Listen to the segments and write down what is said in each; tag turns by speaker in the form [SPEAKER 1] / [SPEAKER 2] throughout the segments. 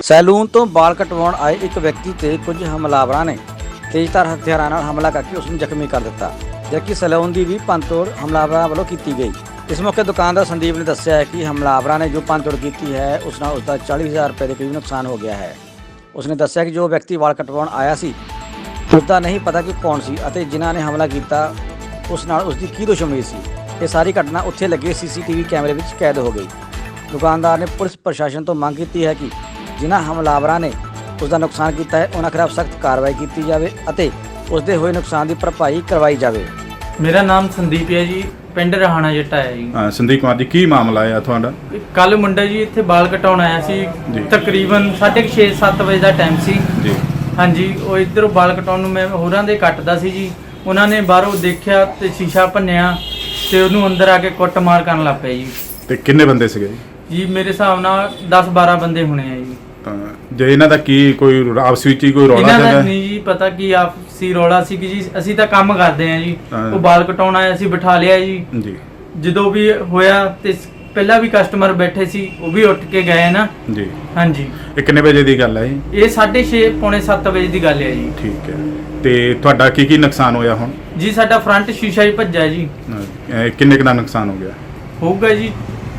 [SPEAKER 1] Salon ਤੋਂ ਵਾਲ ਕਟਵਾਉਣ ਆਏ ਇੱਕ ਵਿਅਕਤੀ ਤੇ ਕੁਝ ਹਮਲਾਵਰਾਂ ਨੇ ਤੇਜ਼ਧਾਰ ਹਥਿਆਰਾਂ ਨਾਲ ਹਮਲਾ ਕਰਕੇ ਉਸ ਨੂੰ ਜ਼ਖਮੀ ਕਰ ਦਿੱਤਾ, ਜਦਕਿ ਸੈਲੂਨ ਦੀ ਵੀ ਭੰਨਤੋੜ ਹਮਲਾਵਰਾਂ ਵੱਲੋਂ ਕੀਤੀ ਗਈ। ਇਸ ਮੌਕੇ ਦੁਕਾਨਦਾਰ ਸੰਦੀਪ ਨੇ ਦੱਸਿਆ ਹੈ ਕਿ ਹਮਲਾਵਰਾਂ ਨੇ ਜੋ ਭੰਨਤੋੜ ਕੀਤੀ ਹੈ ਉਸ ਨਾਲ ਉਸਦਾ 40,000 ਰੁਪਏ ਦੇ ਕਰੀਬ ਨੁਕਸਾਨ ਹੋ ਗਿਆ ਹੈ। ਉਸਨੇ ਦੱਸਿਆ ਕਿ ਜੋ ਵਿਅਕਤੀ ਵਾਲ ਕਟਵਾਉਣ ਆਇਆ ਸੀ ਉਸਦਾ ਨਹੀਂ ਪਤਾ ਕਿ ਕੌਣ ਸੀ ਅਤੇ ਜਿਨ੍ਹਾਂ ਨੇ ਹਮਲਾ ਕੀਤਾ ਉਸ ਨਾਲ ਉਸਦੀ ਕੀ ਦੁਸ਼ਮਣੀ ਸੀ। ਇਹ ਸਾਰੀ ਘਟਨਾ ਉੱਥੇ ਲੱਗੇ CCTV ਕੈਮਰੇ ਵਿੱਚ ਕੈਦ ਹੋ ਗਈ। ਦੁਕਾਨਦਾਰ ਨੇ ਪੁਲਿਸ ਪ੍ਰਸ਼ਾਸਨ ਤੋਂ ਮੰਗ ਕੀਤੀ ਹੈ ਕਿ ਜਿਨ੍ਹਾਂ ਹਮਲਾਵਰਾਂ ਨੇ ਉਸਦਾ ਨੁਕਸਾਨ ਕੀਤਾ ਹੈ ਉਹਨਾਂ ਖਿਲਾਫ ਸਖਤ ਕਾਰਵਾਈ ਕੀਤੀ ਜਾਵੇ ਅਤੇ ਉਸਦੇ ਹੋਏ ਨੁਕਸਾਨ ਦੀ ਭਰਪਾਈ ਕਰਵਾਈ ਜਾਵੇ।
[SPEAKER 2] ਮੇਰਾ ਨਾਮ ਸੰਦੀਪ ਹੈ ਜੀ, ਪਿੰਡ ਰਹਾਣਾ ਜੱਟਾ ਹੈ ਜੀ।
[SPEAKER 3] ਹਾਂ ਸੰਦੀਪ ਕੁਮਾਰ ਜੀ, ਕੀ ਮਾਮਲਾ ਹੈ ਤੁਹਾਡਾ?
[SPEAKER 2] ਕੱਲ ਮੁੰਡਾ ਜੀ ਇੱਥੇ ਵਾਲ ਕਟਾਉਣ ਆਇਆ ਸੀ, ਤਕਰੀਬਨ 6:30-7 ਵਜੇ ਦਾ ਟਾਈਮ ਸੀ
[SPEAKER 3] ਜੀ।
[SPEAKER 2] ਹਾਂਜੀ, ਉਹ ਇੱਧਰੋਂ ਵਾਲ ਕਟਾਉਣ ਨੂੰ ਮੈਂ ਹੋਰਾਂ ਦੇ ਕੱਟਦਾ ਸੀ ਜੀ। ਉਹਨਾਂ ਨੇ ਬਾਹਰੋਂ ਦੇਖਿਆ ਤੇ ਸ਼ੀਸ਼ਾ ਭੰਨਿਆ ਤੇ ਉਹਨੂੰ ਅੰਦਰ ਆ ਕੇ ਕੁੱਟਮਾਰ ਕਰਨ ਲੱਗ ਪਏ ਜੀ।
[SPEAKER 3] ਤੇ ਕਿੰਨੇ ਬੰਦੇ ਸੀਗੇ
[SPEAKER 2] ਜੀ ਮੇਰੇ ਹਿਸਾਬ ਨਾਲ 10-12 ਬੰਦੇ ਹੋਣੇ ਆ ਜੀ।
[SPEAKER 3] ਤਾਂ ਜੇ ਇਹਨਾਂ ਦਾ ਕੀ ਕੋਈ ਆਪਸ ਵਿੱਚ ਹੀ ਕੋਈ ਰੌਲਾ
[SPEAKER 2] ਇਹਨਾਂ ਦਾ
[SPEAKER 3] ਚੱਲਦਾ?
[SPEAKER 2] ਨਹੀਂ ਜੀ ਪਤਾ ਕੀ ਆਪਸੀ ਰੌਲਾ ਸੀ ਕਿ ਜੀ ਅਸੀਂ ਤਾਂ ਕੰਮ ਕਰਦੇ ਆ ਜੀ।
[SPEAKER 3] ਹਾਂ।
[SPEAKER 2] ਉਹ ਵਾਲ ਕਟਾਉਣ ਆਇਆ ਸੀ, ਬਿਠਾ ਲਿਆ ਜੀ।
[SPEAKER 3] ਜੀ
[SPEAKER 2] ਜਦੋਂ ਵੀ ਹੋਇਆ ਤੇ ਪਹਿਲਾਂ ਵੀ ਕਸਟਮਰ ਬੈਠੇ ਸੀ, ਉਹ ਵੀ ਉੱਠ ਕੇ ਗਏ ਨਾ
[SPEAKER 3] ਜੀ।
[SPEAKER 2] ਹਾਂਜੀ।
[SPEAKER 3] ਇਹ ਕਿੰਨੇ ਵਜੇ ਦੀ ਗੱਲ ਹੈ ਇਹ?
[SPEAKER 2] ਇਹ 6:30 ਪੌਣੇ 7 ਵਜੇ ਦੀ ਗੱਲ ਹੈ ਜੀ।
[SPEAKER 3] ਠੀਕ ਹੈ। ਤੇ ਤੁਹਾਡਾ ਕੀ ਕੀ ਨੁਕਸਾਨ ਹੋਇਆ ਹੁਣ?
[SPEAKER 2] ਜੀ ਸਾਡਾ ਫਰੰਟ ਸ਼ੀਸ਼ਾ ਹੀ ਭੱਜਾ ਜੀ।
[SPEAKER 3] ਕਿੰਨੇ ਕੁ ਦਾ ਨੁਕਸਾਨ ਹੋ ਗਿਆ?
[SPEAKER 2] ਹੋਊਗਾ ਜੀ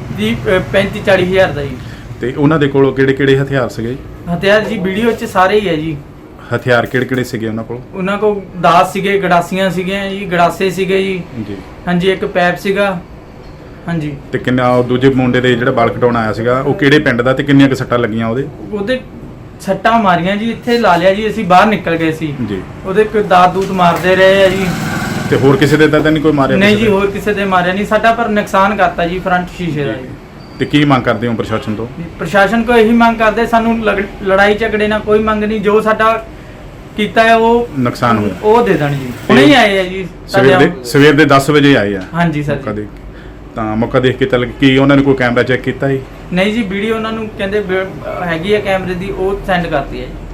[SPEAKER 2] 35-40 ਹਜ਼ਾਰ ਦਾ ਜੀ।
[SPEAKER 3] ਤੇ ਉਹਨਾਂ ਦੇ ਕੋਲ ਕਿਹੜੇ ਕਿਹੜੇ ਹਥਿਆਰ ਸੀਗੇ?
[SPEAKER 2] ਹਥਿਆਰ ਜੀ ਵੀਡੀਓ 'ਚ ਸਾਰੇ ਹੀ ਹੈ ਜੀ।
[SPEAKER 3] ਹਥਿਆਰ ਕਿਹੜੇ ਕਿਹੜੇ ਸੀਗੇ ਉਹਨਾਂ ਕੋਲ?
[SPEAKER 2] ਉਹਨਾਂ ਕੋਲ ਦਾਸ ਸੀਗੇ, ਗੜਾਸੀਆਂ ਸੀਗੀਆਂ ਜੀ, ਗੜਾਸੇ ਸੀਗੇ ਜੀ।
[SPEAKER 3] ਜੀ।
[SPEAKER 2] ਹਾਂਜੀ, ਇੱਕ ਪੈਪ ਸੀਗਾ। ਹਾਂਜੀ।
[SPEAKER 3] ਤੇ ਕਿੰਨਾ ਉਹ ਦੂਜੇ ਮੁੰਡੇ ਦੇ ਜਿਹੜਾ ਵਾਲ ਕਟਾਉਣ ਆਇਆ ਸੀਗਾ ਉਹ ਕਿਹੜੇ ਪਿੰਡ ਦਾ ਤੇ ਕਿੰਨੀਆਂ ਕੁ ਸੱਟਾਂ ਲੱਗੀਆਂ
[SPEAKER 2] ਉਹਦੇ ਸੱਟਾਂ ਮਾਰੀਆਂ ਜੀ, ਇੱਥੇ ਲਾ ਲਿਆ ਜੀ। ਅਸੀਂ ਬਾਹਰ ਨਿਕਲ ਗਏ ਸੀ
[SPEAKER 3] ਜੀ।
[SPEAKER 2] ਉਹਦੇ ਕੋਈ ਦਾਤ ਦੂਤ ਮਾਰਦੇ ਰਹੇ ਆ ਜੀ।
[SPEAKER 3] ਤੇ ਹੋਰ ਕਿਸੇ ਦੇ ਤਾਂ ਨਹੀਂ ਕੋਈ ਮਾਰਿਆ?
[SPEAKER 2] ਨਹੀਂ ਜੀ, ਹੋਰ ਕਿਸੇ ਦੇ ਮਾਰਿਆ ਨਹੀਂ। ਸਾਡਾ ਪਰ ਨੁਕਸਾਨ ਕਰਤਾ ਜੀ ਫਰੰਟ ਸ਼ੀਸ਼ੇ ਦਾ ਜੀ।
[SPEAKER 3] ਤੇ ਕੀ ਮੰਗ ਕਰਦੇ ਹੋ ਪ੍ਰਸ਼ਾਸਨ ਤੋਂ?
[SPEAKER 2] ਪ੍ਰਸ਼ਾਸਨ ਕੋ ਇਹੀ ਮੰਗ ਕਰਦੇ, ਸਾਨੂੰ ਲੜਾਈ ਝਗੜੇ ਨਾਲ ਕੋਈ ਮੰਗ ਨਹੀਂ। ਜੋ ਸਾਡਾ ਕੀਤਾ ਹੈ ਉਹ
[SPEAKER 3] ਨੁਕਸਾਨ ਹੋਇਆ
[SPEAKER 2] ਉਹ ਦੇ ਦੇਣ ਜੀ। ਹੁਣੇ ਹੀ ਆਏ ਆ ਜੀ
[SPEAKER 3] ਸਵੇਰ ਦੇ 10 ਵਜੇ ਆਏ ਆ।
[SPEAKER 2] ਹਾਂਜੀ ਸਰ।
[SPEAKER 3] ਮੌਕਾ ਦੇਖ ਤਾਂ ਮੌਕਾ ਦੇਖ ਕੇ ਚੱਲ ਕੀ ਉਹਨਾਂ ਨੇ ਕੋਈ ਕੈਮਰਾ ਚੈੱਕ ਕੀਤਾ ਜੀ?
[SPEAKER 2] ਨਹੀਂ ਜੀ, ਵੀਡੀਓ ਉਹਨਾਂ ਨੂੰ ਕਹਿੰਦੇ ਹੈਗੀ ਆ ਕੈਮਰੇ ਦੀ, ਉਹ ਸੈਂਡ ਕਰਤੀ ਹੈ ਜੀ।